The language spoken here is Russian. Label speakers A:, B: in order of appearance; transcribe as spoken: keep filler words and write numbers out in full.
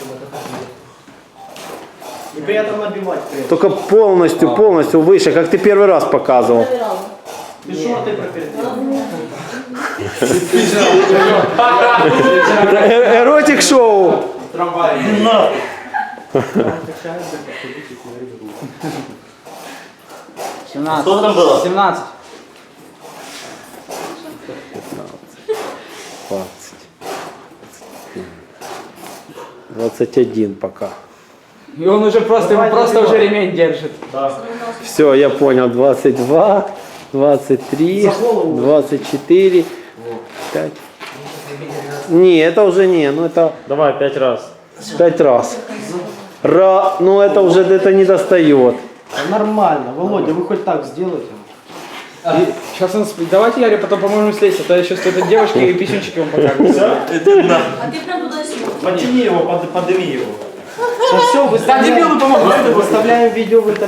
A: И при этом набивать. При этом.
B: Только полностью, полностью выше, как ты первый раз показывал.
A: Ты шорты пропердел.
B: Эротик шоу.
A: Трамвай.
C: семнадцать.
D: Что там было?
C: семнадцать.
B: двадцать один пока.
C: И он уже просто, ему просто уже ремень держит.
B: Все, я понял. двадцать два, двадцать три, двадцать четыре, пять. Не, это уже не, ну это
D: Давай, пять раз.
B: пять раз. Ра, ну это уже это не достает.
A: Нормально. Володя, вы хоть так сделайте.
C: И сейчас он сп- давайте я потом поможем слезть, а то я сейчас с этой девочкой и писюнчики вам покажу.
E: А ты прям туда сюда.
D: Подтяни его, под, подними его.
A: Все, выставляем, выставляем видео в интернет.